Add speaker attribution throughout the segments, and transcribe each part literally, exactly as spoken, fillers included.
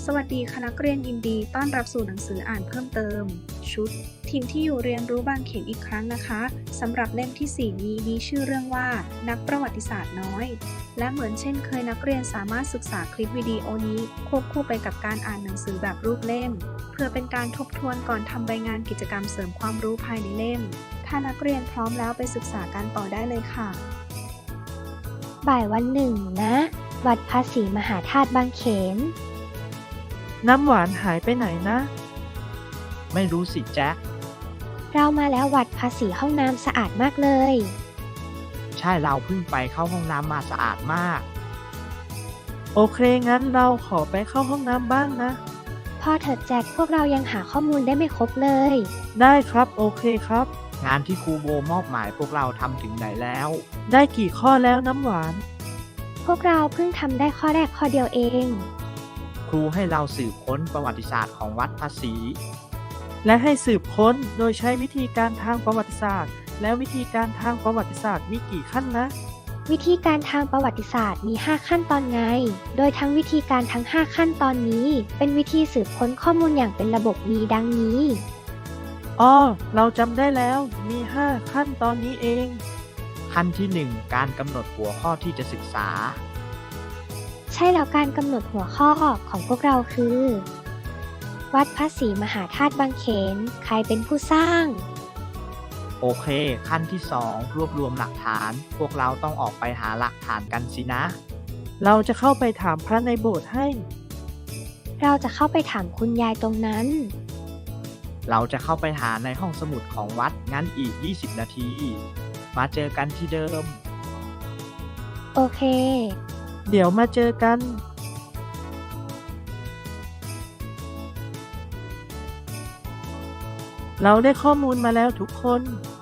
Speaker 1: สวัสดีค่ะนักเรียนยินดีต้อนรับสู่หนังสืออ่านเพิ่มเติมชุดทีมที่อยู่เรียนรู้บางเขนอีกครั้งนะคะสำหรับเล่มที่สี่นี้มีชื่อเรื่องว่านักประวัติศาสตร์น้อยและเหมือนเช่นเคยนักเรียนสามารถศึกษาคลิปวิดีโอนี้ควบคู่ไปกับการอ่านหนังสือแบบรูปเล่มเพื่อเป็นการทบทวนก่อนทำใบงานกิจกรรมเสริมความรู้ภายในเล่มถ้านักเรียนพร้อมแล้วไปศึกษากันต่อได้เลยค่ะ
Speaker 2: บ่ายวันหนึ่งนะวัดภาษีมหาธาตุบางเขน
Speaker 3: น้ำหวานหายไปไหนนะ ไม่รู้สิแจ็ค
Speaker 2: เรามาแล้ววัดภาษีห้องน้ำสะอาดมากเลย
Speaker 3: ใช่เราเพิ่งไปเข้าห้องน้ำมาสะอาดมาก โอเคงั้นเราขอไปเข้าห้องน้ำบ้างนะ
Speaker 2: พอเถิดแจ็คพวกเรายังหาข้อมูลได้ไม่ครบเลย
Speaker 3: ได้ครับโอเคครับงานที่ครูโบมอบหมายพวกเราทำถึงไหนแล้ว ได้กี่ข้อแล้วน้ำหวาน
Speaker 2: พวกเราเพิ่งทำได้ข้อแรกข้อเดียวเอง
Speaker 3: ครูให้เราสืบค้นประวัติศาสตร์ของวัดภาษีและให้สืบค้นโดยใช้วิธีการทางประวัติศาสตร์แล้ววิธีการทางประวัติศาสตร์มีกี่ขั้นนะ
Speaker 2: วิธีการทางประวัติศาสตร์มีห้าขั้นตอนไงโดยทั้งวิธีการทั้งห้าขั้นตอนนี้เป็นวิธีสืบค้นข้อมูลอย่างเป็นระบบมีดังนี้
Speaker 3: อ๋อเราจำได้แล้วมีห้าขั้นตอนนี้เองขั้นที่หนึ่งการกำหนดหัวข้อที่จะศึกษา
Speaker 2: ใช่แล้วการกำหนดหัวข้อของพวกเราคือวัดภาษีมหาธาตุบางเขนใครเป็นผู้สร้าง
Speaker 3: โอเคขั้นที่สองรวบรวมหลักฐานพวกเราต้องออกไปหาหลักฐานกันสินะเราจะเข้าไปถามพระในโบสถ์ให้
Speaker 2: เราจะเข้าไปถามคุณยายตรงนั้น
Speaker 3: เราจะเข้าไปหาในห้องสมุดของวัดงั้นอีกยี่สิบนาทีมาเจอกันที่เดิม
Speaker 2: โอเค
Speaker 3: เดี๋ยวมาเจอกันเราได้ข้อมูลมาแล้วทุกคน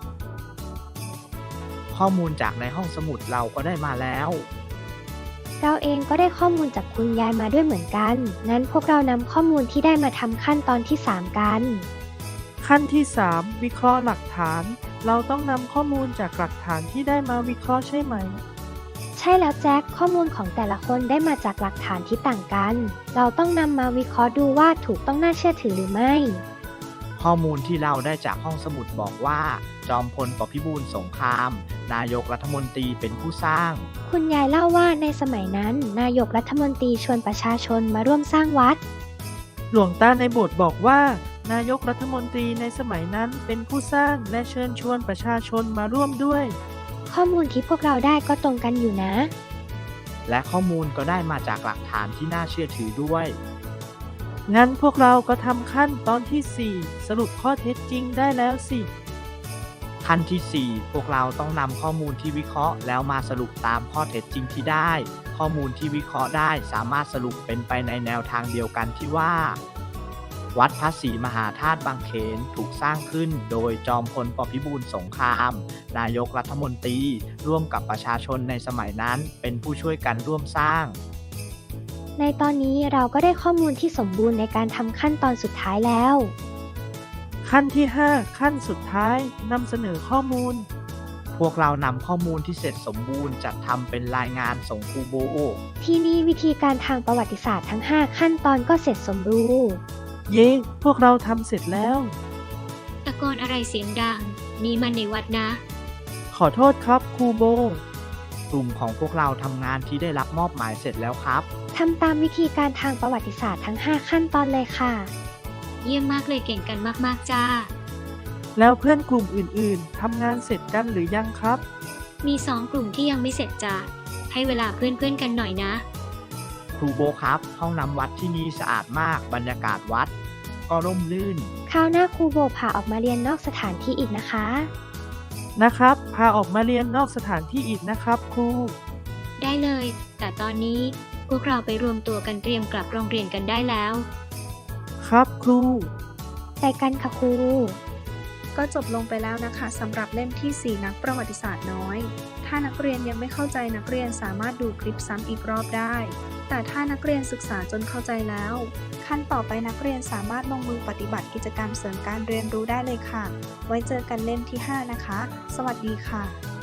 Speaker 3: ข้อมูลจากในห้องสมุดเราก็ได้มาแล้ว
Speaker 2: เราเองก็ได้ข้อมูลจากคุณยายมาด้วยเหมือนกันงั้นพวกเรานำข้อมูลที่ได้มาทำขั้นตอนที่สามกัน
Speaker 3: ขั้นที่สามวิเคราะห์หลักฐานเราต้องนำข้อมูลจากหลักฐานที่ได้มาวิเคราะห์ใช่ไหม
Speaker 2: ใช่แล้วแจ็คข้อมูลของแต่ละคนได้มาจากหลักฐานที่ต่างกันเราต้องนำมาวิเคราะห์ดูว่าถูกต้องน่าเชื่อถือหรือไม่
Speaker 3: ข้อมูลที่เราได้จากห้องสมุดบอกว่าจอมพลปพิบูลสงครามนายกรัฐมนตรีเป็นผู้สร้าง
Speaker 2: คุณยายเล่าว่าในสมัยนั้นนายกรัฐมนตรีชวนประชาชนมาร่วมสร้างวัด
Speaker 3: หลวงตาในโบสถ์บอกว่านายกรัฐมนตรีในสมัยนั้นเป็นผู้สร้างและเชิญชวนประชาชนมาร่วมด้วย
Speaker 2: ข้อมูลที่พวกเราได้ก็ตรงกันอยู่นะ
Speaker 3: และข้อมูลก็ได้มาจากหลักฐานที่น่าเชื่อถือด้วยงั้นพวกเราก็ทำขั้นตอนที่สี่สรุปข้อเท็จจริงได้แล้วสิขั้นที่สี่พวกเราต้องนำข้อมูลที่วิเคราะห์แล้วมาสรุปตามข้อเท็จจริงที่ได้ข้อมูลที่วิเคราะห์ได้สามารถสรุปเป็นไปในแนวทางเดียวกันที่ว่าวัดภาษีมหาธาตุบางเขนถูกสร้างขึ้นโดยจอมพลปพิบูลสงครามนายกรัฐมนตรีร่วมกับประชาชนในสมัยนั้นเป็นผู้ช่วยกันร่วมสร้าง
Speaker 2: ในตอนนี้เราก็ได้ข้อมูลที่สมบูรณ์ในการทำขั้นตอนสุดท้ายแล้ว
Speaker 3: ขั้นที่ห้าขั้นสุดท้ายนำเสนอข้อมูลพวกเรานำข้อมูลที่เสร็จสมบูรณ์จัดทำเป็นรายงานส่งครูโบ
Speaker 2: ที่นี่วิธีการทางประวัติศาสตร์ทั้งห้าขั้นตอนก็เสร็จสมบูรณ์
Speaker 3: เย้พวกเราทำเสร็จแล้ว
Speaker 4: ตะโกนอะไรเสียงดังนี่มันในวัดนะ
Speaker 3: ขอโทษครับครูโบกลุ่มของพวกเราทำงานที่ได้รับมอบหมายเสร็จแล้วครับ
Speaker 2: ทำตามวิธีการทางประวัติศาสตร์ทั้งห้าขั้นตอนเลยค่ะ
Speaker 4: เยี่ยมมากเลยเก่งกันมากๆจ้า
Speaker 3: แล้วเพื่อนกลุ่มอื่นๆทำงานเสร็จกันหรือยังครับ
Speaker 4: มีสองกลุ่มที่ยังไม่เสร็จจ้าให้เวลาเพื่อนๆกันหน่อยนะ
Speaker 3: ครูโบครับห้องน้ำวัดที่นี่สะอาดมากบรรยากาศวัดก็ร่มรื่น
Speaker 2: คราวหน้าครูโบพาออกมาเรียนนอกสถานที่อีกนะคะ
Speaker 3: นะครับพาออกมาเรียนนอกสถานที่อีกนะครับครู
Speaker 4: ได้เลยแต่ตอนนี้พวกเราไปรวมตัวกันเตรียมกลับโรงเรียนกันได้แล้ว
Speaker 3: ครับครู
Speaker 2: ไปกันค่ะครู
Speaker 1: ก็จบลงไปแล้วนะคะสำหรับเล่มที่สี่นักประวัติศาสตร์น้อยถ้านักเรียนยังไม่เข้าใจนักเรียนสามารถดูคลิปซ้ำอีกรอบได้แต่ถ้านักเรียนศึกษาจนเข้าใจแล้วขั้นต่อไปนักเรียนสามารถลงมือปฏิบัติกิจกรรมเสริมการเรียนรู้ได้เลยค่ะไว้เจอกันเล่มที่ห้านะคะสวัสดีค่ะ